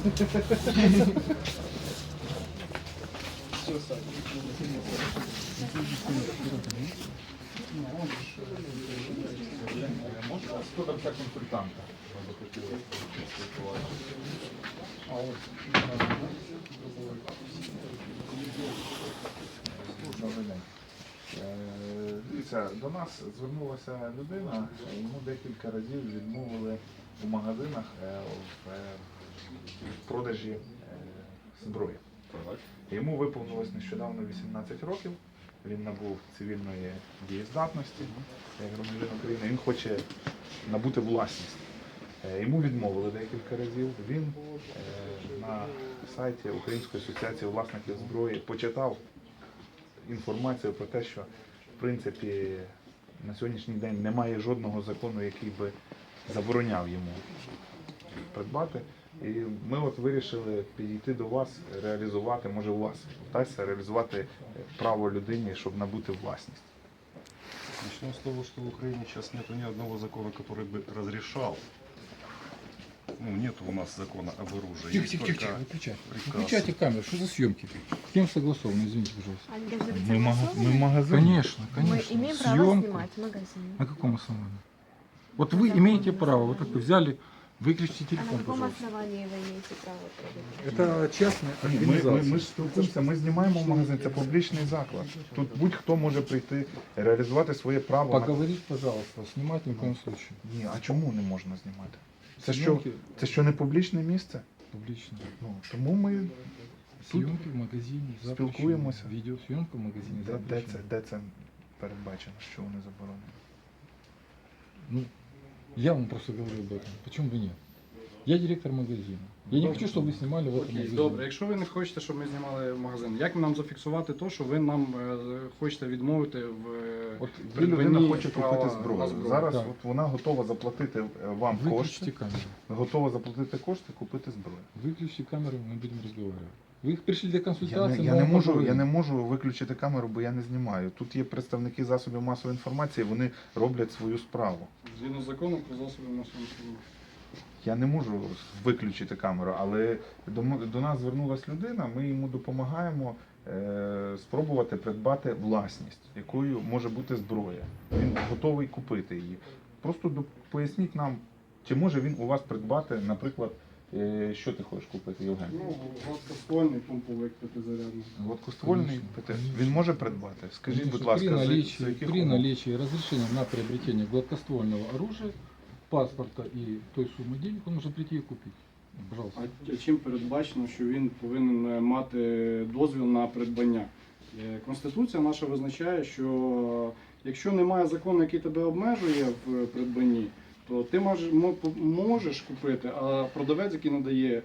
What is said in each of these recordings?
Хто там консультанта? Добрий день. Дивіться, до нас звернулася людина, йому декілька разів відмовили у магазинах в продажі зброї. Йому виповнилось нещодавно 18 років, він набув цивільної дієздатності, як громадянин України, він хоче набути власність. Йому відмовили декілька разів, він на сайті Української асоціації власників зброї почитав інформацію про те, що в принципі на сьогоднішній день немає жодного закону, який би забороняв йому придбати. І ми от вирішили підійти до вас, реалізувати, може у вас вдасться реалізувати право людині, щоб набути власність. Начнем с того, что в Украине сейчас нет ни одного закона, который бы разрешал. Ну, нет у нас закона об оружии. Тихо, выключайте камеру, что за съемки? С кем согласовано, извините, пожалуйста. Мы магазин. Конечно, Мы конечно. имеем право Съемку. снимать в магазине. На каком основании? Вот вы имеете право, вот так вы взяли, выключите А телефон, на каком пожалуйста. основании вы имеете право проводить? Это частная Ми организация. ж спілкуємося, ми знімаємо магазин, це публічний заклад. Тут будь-хто може прийти, реалізувати своє право. Поговорить, пожалуйста, снимать ни в коем случае. Ні, а чому не можна знімати? Съемки Це що не публічне місце? публично. Ну, тому ми тут Съемки в магазине запрещены. спілкуємося. Видеосъемка в магазине запрещена. Де це передбачено, що вони заборонені? Ну, я вам просто говорю об этом. Почему бы нет? Я директор магазина. Я не хочу, чтобы вы снимали в этом Окей, магазине. добре. Якщо ви не хочете, щоб ми знімали магазин, як нам зафіксувати те, що ви нам хочете відмовити в От придбанні людина хоче права купити на зброю. Зараз Так. от вона готова заплатити вам Выключите кошти, камеру. готова заплатити кошти, купити зброю. Выключите камеру, мы будем разговаривать. Вы пришли для Я консультации, не, мы вам можу, я поговорим. не можу виключити камеру, бо я не знімаю. Тут є представники засобів масової інформації, вони роблять свою справу. згідно закону про засоби масової інформації. Я не можу виключити камеру, але до нас звернулася людина, ми йому допомагаємо спробувати придбати власність, якою може бути зброя. Він готовий купити її. Просто поясніть нам, чи може він у вас придбати, наприклад, що ти хочеш купити, Євген? Ну, гладкоствольний помповик п'ятизарядний. Гладкоствольний Конечно, ПТ. конечно. Він може придбати? Скажіть, будь ласка, при за наличии, яких при умов? наличии разрешения на приобретение гладкоствольного оружия, паспорта и той суммы денег, он может прийти и купить. Пожалуйста. А чим передбачено, що він повинен мати дозвіл на придбання? Конституція наша визначає, що якщо немає закону, який тебе обмежує в придбанні, то ти можеш купити, а продавець, який надає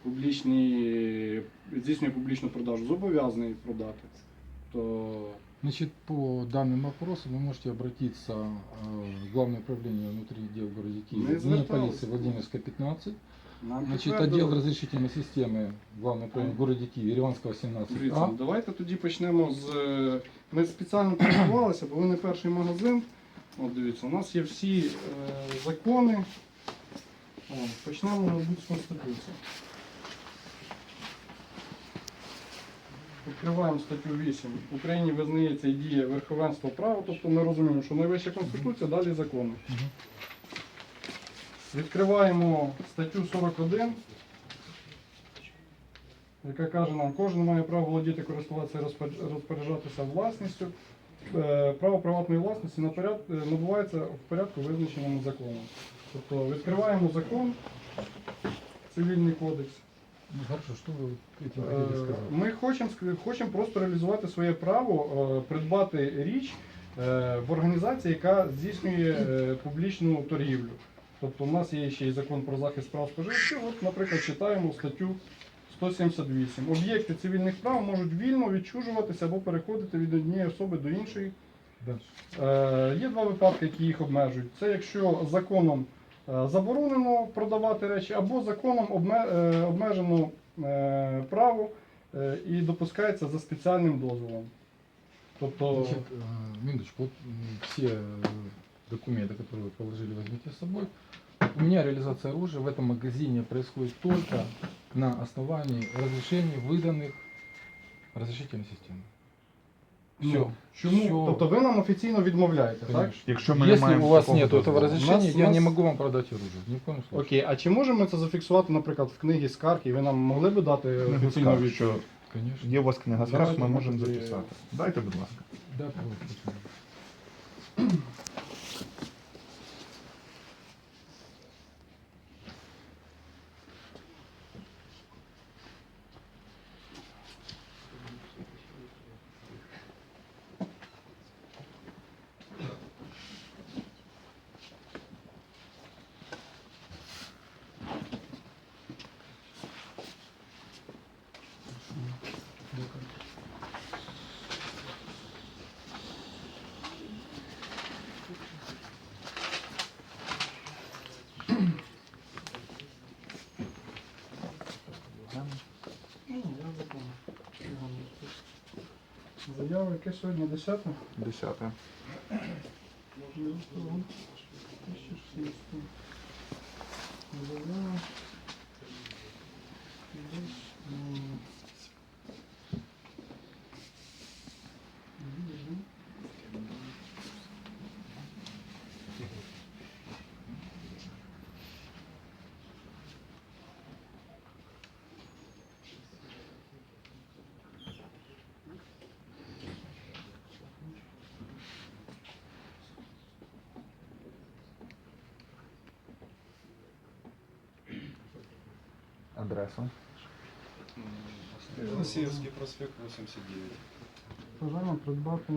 здійснює публічну продажу, зобов'язаний продати. То Значит, по данным вопросам вы можете обратиться в Главное управление внутренних дел в городе Мы Киеве, звертались. полиции Владимирская, 15. нам Значит, підтвердили. отдел разрешительной системы Главное управление в городе Киеве, Ереванского, 17. Дивіться, давайте тоді почнемо з. Ми спеціально підготувалися, бо ви не перший магазин. От дивіться, у нас є всі закони. О, почнемо, мабуть, з Конституції. Відкриваємо статтю 8. В Україні визнається і діє верховенство права, тобто ми розуміємо, що найвища Конституція, далі закони. Відкриваємо статтю 41, яка каже нам, кожен має право володіти, користуватися і розпоряджатися власністю. Право приватної власності набувається в порядку, визначеному законом. Тобто відкриваємо закон, цивільний кодекс. Ну, хорошо, что вы этим хотели сказать? Ми хочемо просто реалізувати своє право придбати річ в організації, яка здійснює публічну торгівлю. Тобто у нас є ще й закон про захист прав споживачів. От, наприклад, читаємо статтю 178. Об'єкти цивільних прав можуть вільно відчужуватися або переходити від однієї особи до іншої. Дальше. Є два випадки, які їх обмежують. Це якщо законом заборонено продавати речі, або законом обмежено право і допускається за спеціальним дозволом. Тобто, Значит, минуточку, вот все документы, которые вы положили, возьмите с собой. У меня реализация оружия в этом магазине происходит только на основании разрешений, выданных разрешительной системой. Все. Ну, чому? Тобто ви нам офіційно відмовляєте, так? Конечно. Якщо ми не Если маємо у вас такого нет этого дозволу. разрешения, У я нас- не могу вам продать оружие. Ни в коем случае. Окей, а чи можемо ми це зафіксувати, наприклад, в книгі скарг, і ви нам могли би дати Книгу офіційну скарг, відповідь? що Конечно. є у вас книга скарг, Давайте ми ми можемо тоді- записати. Дайте, будь ласка. Да, пожалуйста. Заява, яке сьогодні 10? 10. Заява. Адресу. Лосеевский проспект 89. Бажаємо придбати.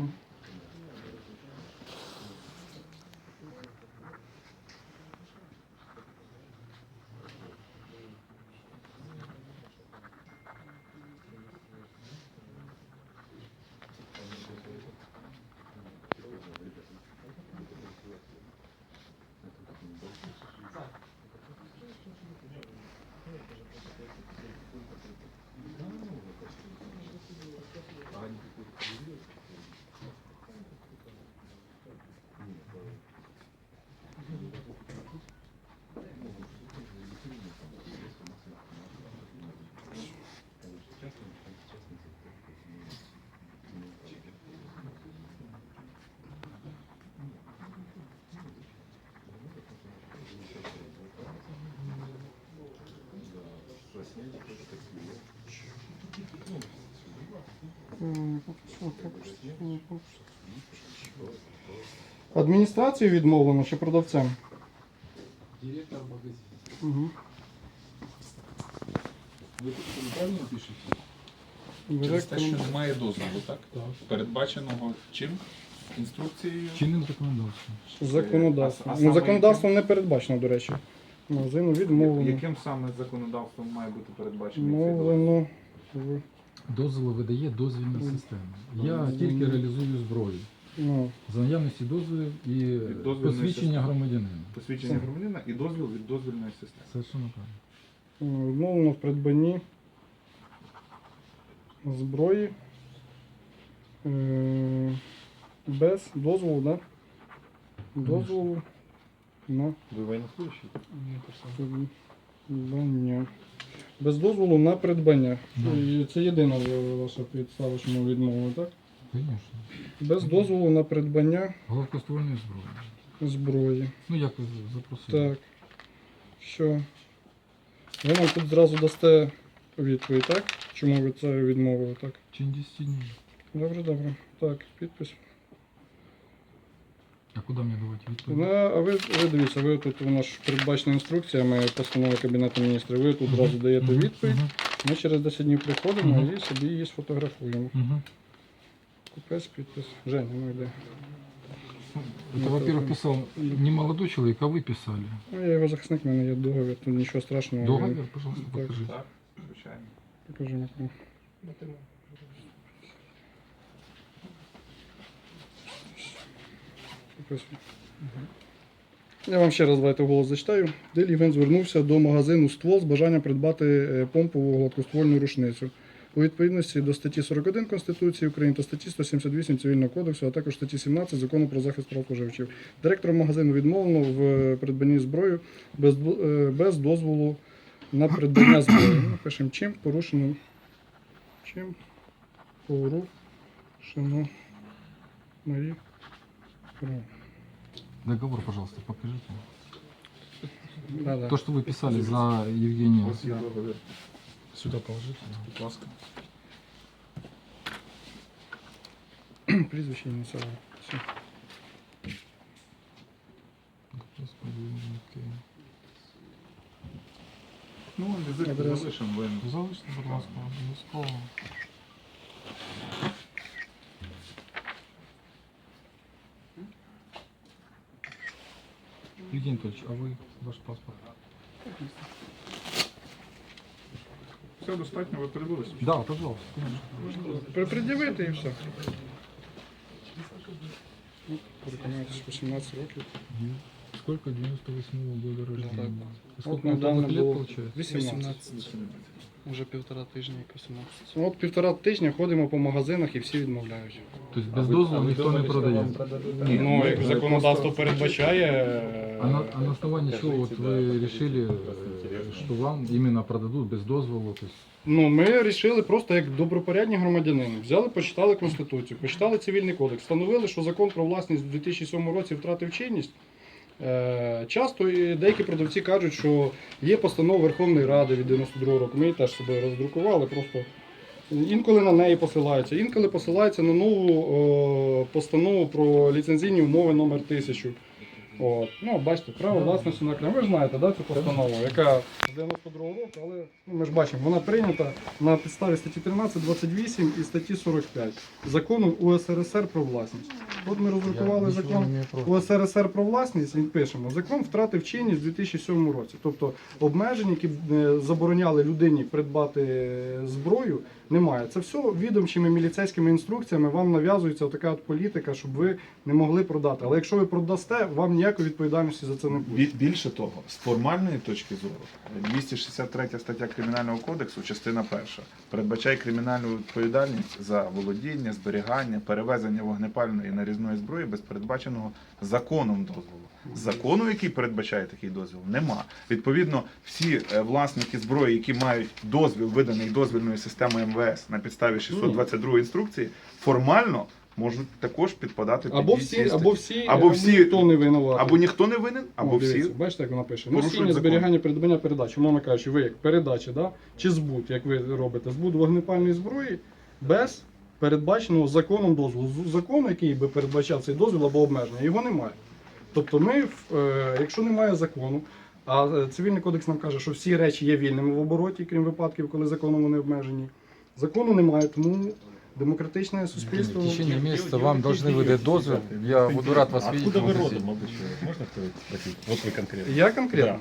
Адміністрацією відмовлено чи продавцем? Директор магазина. Угу. Ви тут правильно пишете? Через те, Директор. що немає дозволу, так? Так. Передбаченого чим? Інструкцією? Чинным законодательством. Законодавство. А Ну, саме законодавством не передбачено, до речі. Магазину відмовлено. Яким саме законодавством має бути передбачений цей дозвіл? Відмовлено. в- Дозволи видає дозвільна система. Я Дозвільна. тільки реалізую зброю. Ну, За наявності дозволів і дозвільної посвідчення системи. громадянина. Посвідчення громадянина і дозвіл від дозвільної системи. Совершенно правильно. відмовлено в придбанні зброї без дозволу, да? Дозволу на Вы военнослужащий? придбання. Без дозволу на придбання. Да. І це єдина ваша підстава, що ми відмовили, так? Звісно. Без дозволу на придбання Гладкоствольної зброї. зброї. Ну як ви запросили? Так. Що? Ви нам тут зразу дасте відповідь, так? Чому ви це відмовили, так? В течение 10 днів. Добре, добре. Так, підпис. А куди мені давати відповідь? Ну, а ви дивіться, ви тут у нас ж передбачена інструкціями постанови Кабінету міністрів, ви тут зразу даєте відповідь. Ми через 10 днів приходимо Мгм. і собі її сфотографуємо. Угу. Купець, підпис. Женя, ну йде. Это, во-первых, писал не молодой человек, а вы писали. Ну, я його захисник, в мене є договір, тут нічого страшного. Договор, пожалуйста, Так. покажите. Так, звичайно. Покажи мені. Підписуй. Я вам ще раз давайте вголос зачитаю. Делівен звернувся до магазину «Ствол» з бажанням придбати помпову гладкоствольну рушницю. У відповідності до статті 41 Конституції України та статті 178 Цивільного кодексу, а також статті 17 Закону про захист прав споживачів. Директором магазину відмовлено в придбанні зброї без дозволу на придбання зброї. Ми пишемо, чим порушено мої права. Договор, пожалуйста, покажите. Да-да. То, что вы писали за Евгения. Ось є договір. Сюда положите. Будь ласка. Прізвище ініціали. Все. Господи, окей. Ну, візит Адреса. залишимо, ви Залиште, будь ласка, обов'язково. Евгений Анатольевич, а вы, ваш паспорт? все достатньо, ви передивилися? Да, пожалуйста, конечно. Пред'явити і все. Переконайтесь, 18 років. Сколько? 98-го года рождения. От Сколько вам недавно лет було получается? 18. Уже 1,5 тижня, як 18. От 1,5 тижня ходимо по магазинах і всі відмовляють. То есть без дозволу никто не продает? Ну, як законодавство передбачає. А на основании чего вот вы решили, что вам именно продадут без дозволу? То есть, Ну, ми вирішили просто як добропорядні громадянини. Взяли, почитали Конституцію, почитали Цивільний кодекс, встановили, що закон про власність у 2007 році втратив чинність. Часто і деякі продавці кажуть, що є постанова Верховної Ради від 92 року. Ми її теж собою роздрукували, просто інколи на неї посилаються, інколи посилаються на нову постанову про ліцензійні умови номер 1000. От. Ну, бачите, право власності на окремо. Ви ж знаєте, да, цю постанову, яка з 92 року, але ми ж бачимо, вона прийнята на підставі статті 13, 28 і статті 45 закону УСРСР про власність. От ми роздрукували закон УСРСР про власність і пишемо, закон втратив чинність у 2007 році. Тобто обмежень, які забороняли людині придбати зброю, немає. Це все відомчими міліцейськими інструкціями вам нав'язується така от політика, щоб ви не могли продати. Але якщо ви продасте, вам ніякої відповідальності за це не буде. Більше того, з формальної точки зору, 263 стаття Кримінального кодексу, частина 1, передбачає кримінальну відповідальність за володіння, зберігання, перевезення вогнепальної і нарізної зброї без передбаченого законом дозволу. Закону, який передбачає такий дозвіл, нема. Відповідно, всі власники зброї, які мають дозвіл, виданий дозвільною системою МВС на підставі 622 інструкції, формально можуть також підпадати під Або дії всі, цієї або статті. всі, ніхто не винуватий. Або ніхто не винен, або О, дивіться, всі. бачите, як вона пише. порушують Носіння, закон. зберігання, придбання, передачі. Умовно кажучи, ви як передача, да? Чи збут, як ви робите, збут вогнепальної зброї без передбаченого законом дозволу. Закону, який би передбачав цей дозвіл або обмеження, його немає. Тобто ми, якщо немає закону, а Цивільний кодекс нам каже, що всі речі є вільними в обороті, крім випадків, коли законом вони обмежені. Закону немає, тому демократичне суспільство... в течение месяца вам должны выдать дозвол. Я буду рад вас видеть. Откуда в вы магазине. родом обычно? Можно спросить? Вот вы конкретно. Я конкретно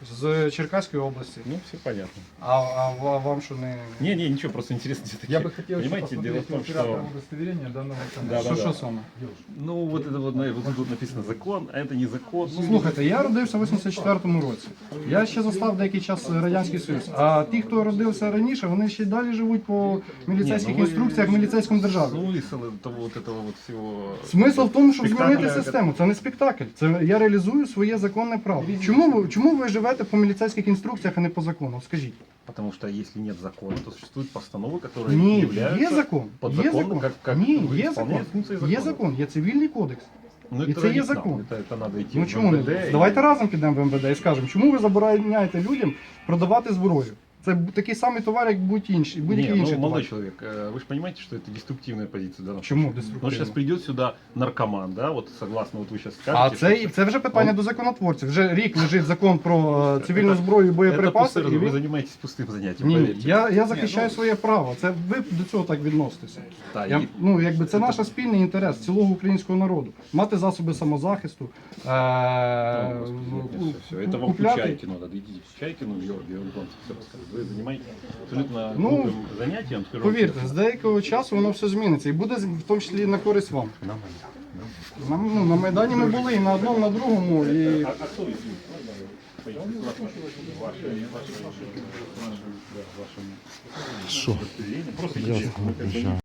з Черкаської області. Ну, все понятно. А вам що не... Не, ничего, просто интересно все-таки. Я бы хотел еще Понимаете, дело в посмотреть том, оператора что... удостоверения данного Да, канала. да. Що саме? Ну, вот это вот, вот тут написано закон, а это не закон. Ну, Слухайте, я родився в 84-му році. Я ще застав деякий час Радянський Союз. А ті, хто родився раніше, вони ще й далі живуть по міліцейських Ні, ну ви- інструкціях міліцейському державі. смысл этого вот этого вот всего... Смисл в тому, щоб Спектакля, змінити систему. Це не спектакль. Це я реалізую своє законне право. Чому ви живете по міліцейських інструкціях, а не по закону? Скажіть. Потому что если нет закона, то существуют постановы, которые Ні, являются є закон. Є подзаконным, закон. как Ні, вы є исполняете закон. функции Є закона. закон, є цивільний кодекс. Ну, І это це є не к нам, закон. Это надо идти Ну в чому не? МВД и- Давайте разом підемо в МВД і скажемо, чому ви забороняєте людям продавати зброю? Це такий самий товар, як будь-який інший Не, ну, товар. молодой человек, вы же понимаете, что это деструктивная позиция. Да? Чому Вот деструктивно? сейчас придет сюда наркоман, да, вот согласно вот вы сейчас скажете. А це вже питання до законотворців. Вже рік лежить закон про цивільну зброю і это боєприпаси. пустое, І вы ви... занимаетесь пустым занятием, Ні, поверьте. я захищаю своє право. Це ви до цього так відноситеся. Да, Я, и- ну, якби це наш спільний інтерес цілого українського народу. Мати засоби самозахисту, Ну, господи, всё. Это вам купляти. Чайкину надо, идите к Чайкину, Георгию, он вам все расскажет. Вы занимаетесь абсолютно Ну, глупым занятием. скажу вам Повірте, честно. з деякого часу воно все зміниться і буде в тому числі на користь вам. На Майдане. На Майдані ми були і на одному, на другому. І... А кто из них? Ваши, Что? просто